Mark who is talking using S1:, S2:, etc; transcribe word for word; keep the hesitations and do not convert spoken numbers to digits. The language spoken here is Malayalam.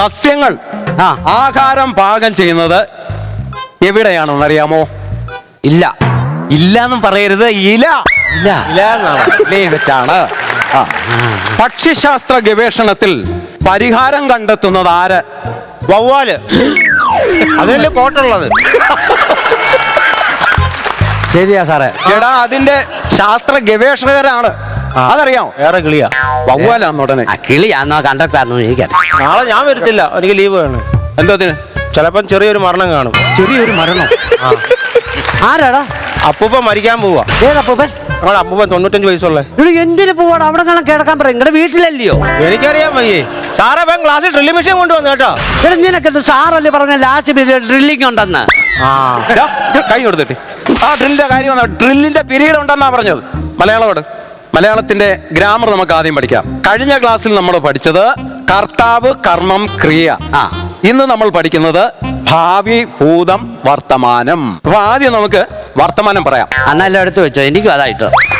S1: സസ്യങ്ങൾ
S2: ആ
S1: ആഹാരം പാകം ചെയ്യുന്നത് എവിടെയാണെന്ന് അറിയാമോ?
S2: ഇല്ല
S1: ഇല്ലാന്നും പറയരുത്, ഇല
S2: ഇല്ല
S1: ഇലയിൽ വെച്ചാണ്. ആ. പക്ഷിശാസ്ത്ര ഗവേഷണത്തിൽ പരിഹാരം കണ്ടെത്തുന്നത് ആര്?
S3: വവ്വാല്. അതിനല്ലേ കോട്ടുള്ളത്.
S2: ശരിയാ സാറേ.
S1: എടാ അതിന്റെ ശാസ്ത്ര ഗവേഷകരാണ്, അതറിയാമോ?
S3: വേറെ കിളിയാ.
S1: വവ്വാലാന്ന് ഉടനെ.
S2: ആ കിളിയാന്നോ കണ്ടക്ടറാന്നോ എനിക്കറിയാം.
S3: നാളെ ഞാൻ വരത്തില്ല, എനിക്ക് ലീവ് വേണം.
S1: എന്തോത്തിന്?
S3: ചിലപ്പം ചെറിയൊരു മരണം കാണും.
S1: ചെറിയൊരു മരണം.
S2: ആരാടാ?
S3: അപ്പൂപ്പ മരിക്കാൻ പോവാ.
S2: ഏതപ്പൂപ്പൻ?
S3: ഞങ്ങളുടെ അപ്പൂപ്പൻ തൊണ്ണൂറ്റഞ്ച് വയസ്സുള്ള.
S2: ഇവിടെ എന്തിനു പോവാണ്? അവിടെ കാണാൻ കിടക്കാൻ പറയും. നിങ്ങളുടെ വീട്ടിലല്ലയോ?
S3: എനിക്കറിയാൻ വയ്യേ. സാറേ വേഗം ക്ലാസ്സിൽ ഡ്രില്ലിംഗ് മെഷീൻ കൊണ്ടുവന്നു കേട്ടോ.
S2: ഇവിടെ നിനക്കെന്ത് സാറല്ലേ പറഞ്ഞ ലാസ്റ്റ് പീരീഡ് ഡ്രില്ലിംഗ് ഉണ്ടെന്ന്?
S1: ദാ, കൈ കൊടുത്തിട്ട് ആ ഡ്രില്ലിന്റെ കാര്യം ഡ്രില്ലിന്റെ പീരീഡ് ഉണ്ടെന്നാ പറഞ്ഞത്. മലയാളോട് മലയാളത്തിന്റെ ഗ്രാമർ നമുക്ക് ആദ്യം പഠിക്കാം. കഴിഞ്ഞ ക്ലാസ്സിൽ നമ്മൾ പഠിച്ചത് കർത്താവ്, കർമ്മം, ക്രിയ.
S2: ആ
S1: ഇന്ന് നമ്മൾ പഠിക്കുന്നത് ഭാവി, ഭൂതം, വർത്തമാനം. അപ്പൊ ആദ്യം നമുക്ക് വർത്തമാനം പറയാം.
S2: അന്നെല്ലാം എടുത്ത് വെച്ചോ, എനിക്കും അതായിട്ട്.